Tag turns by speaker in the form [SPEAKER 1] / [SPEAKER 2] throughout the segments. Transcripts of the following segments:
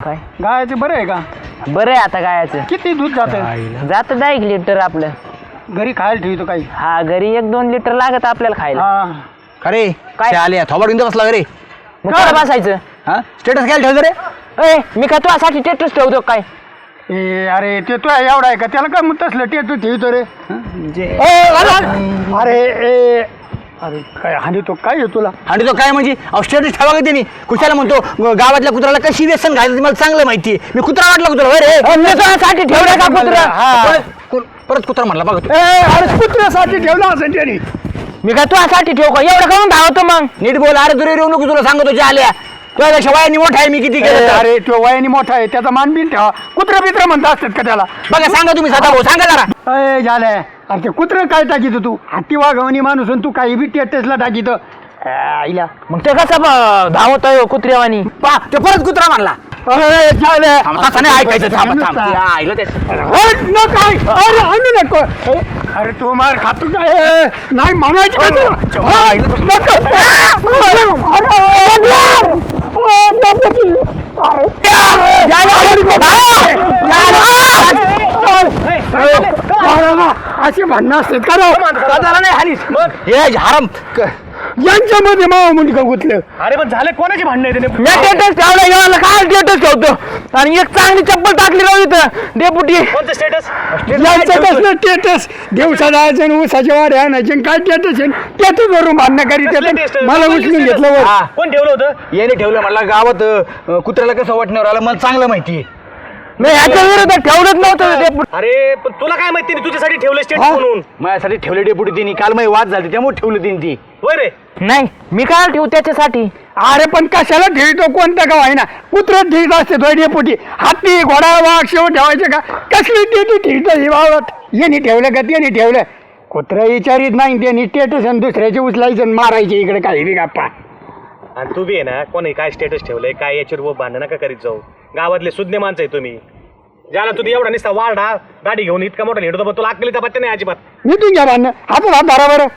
[SPEAKER 1] काय
[SPEAKER 2] गायचं बरं आहे का?
[SPEAKER 1] बरं आहे आता गायाचं.
[SPEAKER 2] किती दूध जातं?
[SPEAKER 1] जातं 10 लिटर आपलं.
[SPEAKER 2] घरी खायला ठेवतो काही?
[SPEAKER 1] हा घरी 1-2 लिटर लागत आपल्याला खायला.
[SPEAKER 2] हा.
[SPEAKER 3] अरे
[SPEAKER 1] काय?
[SPEAKER 3] काय आले थोबड घेऊन बसला रे.
[SPEAKER 1] मग काय बसायचं?
[SPEAKER 3] हा स्टेटस काय ठेवतो रे?
[SPEAKER 1] ए मी का तुझ्यासाठी टेटस ठेवतो काय?
[SPEAKER 2] ए अरे ते तो एवढा आहे का? त्याला काय मग तसलं टेटू ठेवतो रे? अरे ए अरे काय हानी तो काय आहे तुला?
[SPEAKER 3] आणि तो काय म्हणजे स्टेटस ठेवा का त्यांनी कुशाला म्हणतो गावातल्या कुत्राला कशी व्यसन घालायचं मला चांगलं माहिती. मी कुत्रा वाटला कुत्रा अरे
[SPEAKER 1] मी तुझ्यासाठी ठेवलं का कुत्रा?
[SPEAKER 3] परत कुत्रा म्हटला बघ.
[SPEAKER 2] अरे कुत्र्यासाठी ठेवला असेल त्याने.
[SPEAKER 1] मी का तुझ्यासाठी ठेव का? एवढं करून धावतो मग.
[SPEAKER 3] नीट बोल. अरे तुला येऊ नको तुला सांगतो आल्या तुझ्या शवायनी मोठा आहे मी किती केलं.
[SPEAKER 2] अरे तो वयाने मोठा आहे त्याचा मान बिन ठेवा. कुत्रा बित्र म्हणता असतात का त्याला?
[SPEAKER 3] बघा सांगा तुम्ही सदा भाऊ सांगा जरा.
[SPEAKER 2] अय झालंय. अरे ते कुत्रं काय टाकीत तू? हाती वाघवणी माणूस आणि तू काही बी टेटसला टाकीत आईला.
[SPEAKER 1] मग ते कसं धावत आहे कुत्र्यावानी?
[SPEAKER 3] पा ते परत कुत्रा म्हणला.
[SPEAKER 2] झालंय.
[SPEAKER 3] असं नाही ऐकायचं. थांब थांब आईला ते
[SPEAKER 2] अरे आणू नको. अरे तू मार खातो काय? नाही म्हणायचं का तुला? असे भांडणं असतात का राव?
[SPEAKER 3] नाही हानीस हे हराम
[SPEAKER 2] यांच्यामध्ये मावा मुंडका गुतलं.
[SPEAKER 4] अरे पण झाले कोणाची भांडण आहे
[SPEAKER 1] मी टेटस ठेवलं याला काय टेटस ठेवतो आणि एक चांगली चप्पल टाकली राहू इथं डेपुटी.
[SPEAKER 4] कोणतं स्टेटस?
[SPEAKER 2] यांचं कसलं टेटस? दिवसा जायचं आणि ऊसाच्या वाड्या आणायचे काय टेटस आहे? टेटस वरून भांडणं करीत येतात. मला उचलून घेतलं वर.
[SPEAKER 4] कोण ठेवलं होतं?
[SPEAKER 3] याने ठेवलं म्हणला गावात कुत्र्याला कसं वाटण्यावर आलं मला चांगलं माहिती.
[SPEAKER 1] मी ह्याच्या विरोधात ठेवलंच नव्हतं डेपुटी.
[SPEAKER 4] अरे पण तुला काय माहिती तुझ्यासाठी ठेवलं स्टेटस म्हणून?
[SPEAKER 3] माझ्यासाठी ठेवले डेपुटी तिने काल माझी वाद झाली त्यामुळे ठेवलं तिने ती.
[SPEAKER 4] होय रे.
[SPEAKER 1] नाही मी काय ठेवू त्याच्यासाठी?
[SPEAKER 2] अरे पण कशाला ठेवतो? कोणतं गाव आहे ना कुत्र ठेवत असते थोडी पोटी. हाती घोडा वाघ शेव ठेवायचे का? कसली टेटू ठेवतो ही वावरात? यांनी ठेवलं का त्याने ठेवलं? कुत्र विचारित नाही त्यांनी टेटस आणि दुसऱ्याचे उचलायचं आणि मारायचे इकडे काही बी गप्पा.
[SPEAKER 4] आणि तू बी आहे ना कोणी काय स्टेटस ठेवलंय काय याच्यावर भांडण नका करीत जाऊ. गावातले सुज्ञ माणसं आहे तुम्ही. ज्याला तू एवढा निसता वाढा दाढी घेऊन इतका मोठा हिडतो पण तुला अक्कलीचा पत्ता नाही अजिबात.
[SPEAKER 2] मी तुझ्या भांडणं हातून हात धरा बरं.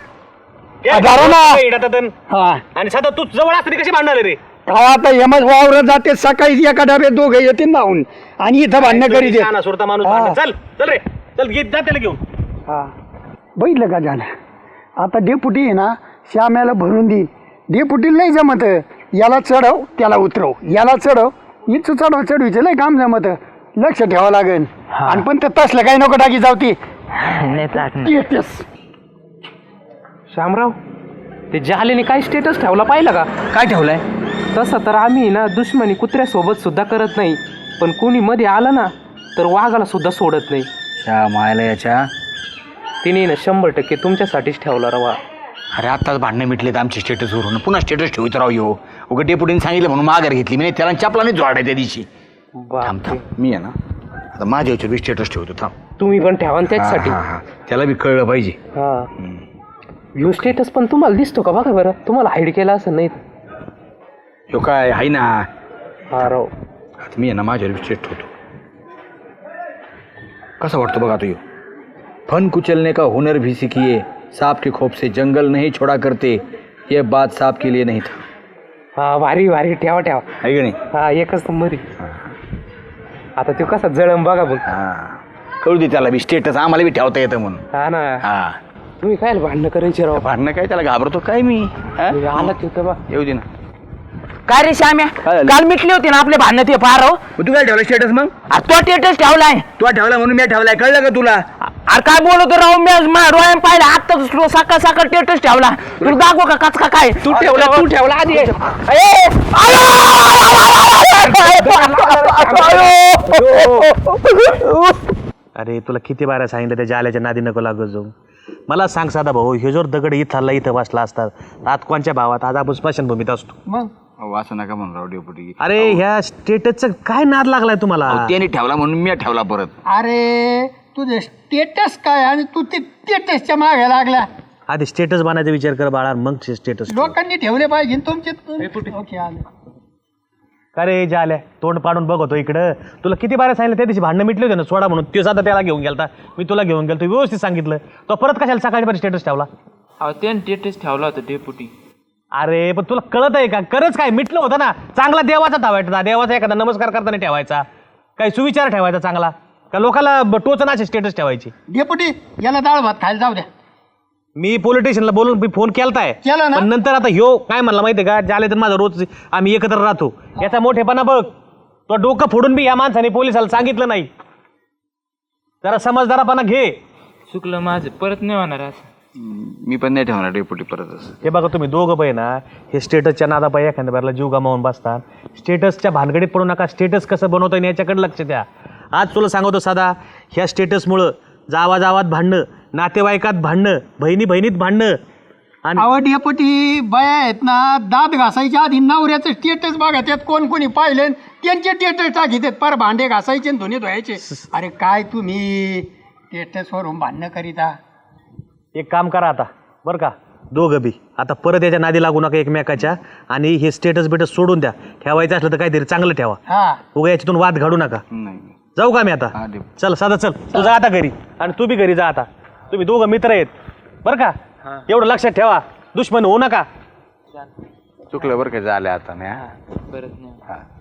[SPEAKER 2] हा
[SPEAKER 4] आणि सध्या तू जवळ असताना कशी भांडणार रे?
[SPEAKER 2] काय आता यमच वावर जाते सकाळी एका डब्यात दोघं येते नाहून आणि इथं भांडणं करीत आहेत.
[SPEAKER 4] शहाणा सुरता माणूस
[SPEAKER 2] हा.
[SPEAKER 4] भांडण. चल चल रे चल घेत जा त्याला घेऊन.
[SPEAKER 2] हा बघितलं का झालं? आता डेपुटी आहे ना श्याम्याला भरून देईन. डेपुटीला नाही जमत. याला चढव त्याला उतरव, याला चढव इथं चढव चढवीचं लय काम जमत. लक्ष ठेवावं लागेल. आणि पण ते तसलं काही नको टाकी जाऊ ती.
[SPEAKER 1] नाही टाकणार.
[SPEAKER 2] येतेस.
[SPEAKER 5] श्यामराव ते जालेने काय स्टेटस ठेवला पाहिलं का?
[SPEAKER 3] काय ठेवलंय?
[SPEAKER 5] तसं तर आम्ही ना दुश्मनी कुत्र्यासोबत सुद्धा करत नाही, पण कोणी मध्ये आलं ना तर वाघाला सुद्धा सोडत नाही.
[SPEAKER 3] त्या मायला याच्या.
[SPEAKER 5] तिने ना 100% तुमच्यासाठीच ठेवला रवा.
[SPEAKER 3] अरे आत्ताच भांडणं मिटलेत आमचे स्टेटस वरून पुन्हा स्टेटस ठेवत राव यो. उगा डेपुटीने सांगितलं म्हणून माघार घेतली मी. त्याला चपलाने जोडाय त्या दिवशी. थांब थांब मी आहे ना आता माझ्या याच्यावर बी स्टेटस ठेवतो. थांब
[SPEAKER 5] तुम्ही पण ठेवा ना त्याच्यासाठी.
[SPEAKER 3] त्याला बी कळलं पाहिजे.
[SPEAKER 5] हा व्ह्यू स्टेटस पण तुम्हाला दिसतो का बघा बरं. तुम्हाला हाईड केला असं नाही.
[SPEAKER 3] यो काय आहे ना.
[SPEAKER 5] हा राव
[SPEAKER 3] आता मी आहे ना माझ्यावर बी स्टेटस ठेवतो. कसं वाटतं बघा तो यो. फन कुचलने का हुनर भी सीखिए, सांप के खोप से जंगल नहीं छोड़ा करते, ये बात सांप के लिए नहीं था.
[SPEAKER 5] हा भारी भारी ठेवा ठेवा.
[SPEAKER 3] आहे की नाही?
[SPEAKER 5] हा एकच नंबर. आता तो कसा जळम बघा बघ.
[SPEAKER 3] हा कळू दे त्याला बी स्टेटस आम्हाला बी ठेवता येतं म्हणून.
[SPEAKER 5] हा ना.
[SPEAKER 3] हा
[SPEAKER 5] तुम्ही काय भांडणं करायचे राव?
[SPEAKER 3] भांडणं काय त्याला घाबरतो काय मी. हा?
[SPEAKER 5] आला तिथं बा.
[SPEAKER 3] येऊ दे ना.
[SPEAKER 1] काय रे श्याम्या?
[SPEAKER 3] काय झालं?
[SPEAKER 1] काल मिटली होती ना आपले भांडणं ते पार हो.
[SPEAKER 3] तू काय ठेवला स्टेटस मग?
[SPEAKER 1] तो टेटस ठेवलाय.
[SPEAKER 3] तू ठेवला म्हणून मी ठेवलाय कळलं का तुला?
[SPEAKER 1] अरे काय बोलतो राव मी डोळ्यानं पाहिलं आता सकाळ सकाळ टेटस ठेवला. तुला दाखव का कच का काय?
[SPEAKER 5] तू ठेवला आधी.
[SPEAKER 4] अरे तुला किती बारा सांगितलं त्या जाल्याच्या नादी नको लागत जाऊ. मला सांग साधा भाऊ ह्यो जर दगड इथला इथं बसला असतात आज कोणच्या भावात आज आपण स्मशानभूमीत असतो.
[SPEAKER 2] मग
[SPEAKER 3] असं नका म्हणून राव डेपुटी.
[SPEAKER 4] अरे ह्या स्टेटसचा काय नाद लागलाय तुम्हाला?
[SPEAKER 3] त्याने ठेवला म्हणून मी ठेवला परत.
[SPEAKER 2] अरे तुझे स्टेटस काय आणि तू ते स्टेटसच्या मागे लागला.
[SPEAKER 4] आधी स्टेटस बनायचा विचार कर बाळा मग स्टेटस.
[SPEAKER 2] लोकांनी ठेवले पाहिजे तुमचे. ओके आले.
[SPEAKER 4] अरे जाल्या तोंड पाडून बघतो इकडं. तुला किती बारा सांगितलं त्या दिवशी भांडणं मिटले होते ना सोडा म्हणून. तो साधा त्याला घेऊन गेलता मी तुला घेऊन गेलो. व्यवस्थित सांगितलं तो परत कशाला सकाळी स्टेटस ठेवला?
[SPEAKER 5] त्याने स्टेटस ठेवला होता डेपुटी.
[SPEAKER 4] अरे पण तुला कळत आहे का? खरंच काय मिटलं होतं ना, चांगला देवाचा ठेवायचा, देवाचा एखादा नमस्कार करताना ठेवायचा, काही सुविचार ठेवायचा चांगला, का लोकांना टोचनाचे स्टेटस ठेवायची.
[SPEAKER 2] डेपुटी याला डाळ भात खायला जाऊ द्या.
[SPEAKER 4] मी पोलिटिशियनला बोलून मी फोन केलताय,
[SPEAKER 2] केला ना?
[SPEAKER 4] पण नंतर आता ह्यो काय म्हणला माहितीये का, ज्याला तर माझा रोज आम्ही एकत्र राहतो, याचा मोठेपणा बघ. तो डोकं फोडून बी या माणसाने पोलिसाला सांगितलं नाही. जरा समजदारपणा घे.
[SPEAKER 5] चुकलं माझं, परत नाही होणार असं.
[SPEAKER 3] मी पण नाही ठेवणार डेपुटी परत असं.
[SPEAKER 4] हे बघा तुम्ही दोघं पाहिजे ना, हे स्टेटसच्या नादापायी एखाद्या बाहेरला जीव गमावून बसतात. स्टेटसच्या भानगडीत पडू नका. स्टेटस कसं बनवता येईल याच्याकडे लक्ष द्या. आज तुला सांगतो साधा, ह्या स्टेटसमुळं जावाजावात भांडणं, नातेवाईकात भांडणं, बहिणी बहिणीत भांडणं. आणि
[SPEAKER 2] अहो डेपुटी बाया आहेत ना, दात घासायच्या आधी नवऱ्याचं स्टेटस बघा, त्यात कोण कोणी पाहिले त्यांचे स्टेटस टाकीत पर भांडे घासायचे आणि धुणे धुवायचे. अरे काय तुम्ही स्टेटसवरून भांडणं करीता.
[SPEAKER 4] एक काम करा आता बरं का, दोघं बी आता परत याच्या नादी लागू नका एकमेकाच्या, आणि हे स्टेटस बिटस सोडून द्या. ठेवायचं असलं तर काहीतरी चांगलं ठेवा.
[SPEAKER 2] हा
[SPEAKER 4] उगा याच्यातून वाद घालू नका.
[SPEAKER 3] नाही
[SPEAKER 4] जाऊ का मी आता? चल साधा चल, तू जा आता घरी, आणि तू बी घरी जा आता. तुम्ही दोघं मित्र आहेत बरं का, एवढं लक्षात ठेवा, दुश्मन होऊ नका.
[SPEAKER 3] चुकलं बरं का, झालं आता नाही.
[SPEAKER 5] परत नाही.
[SPEAKER 3] हा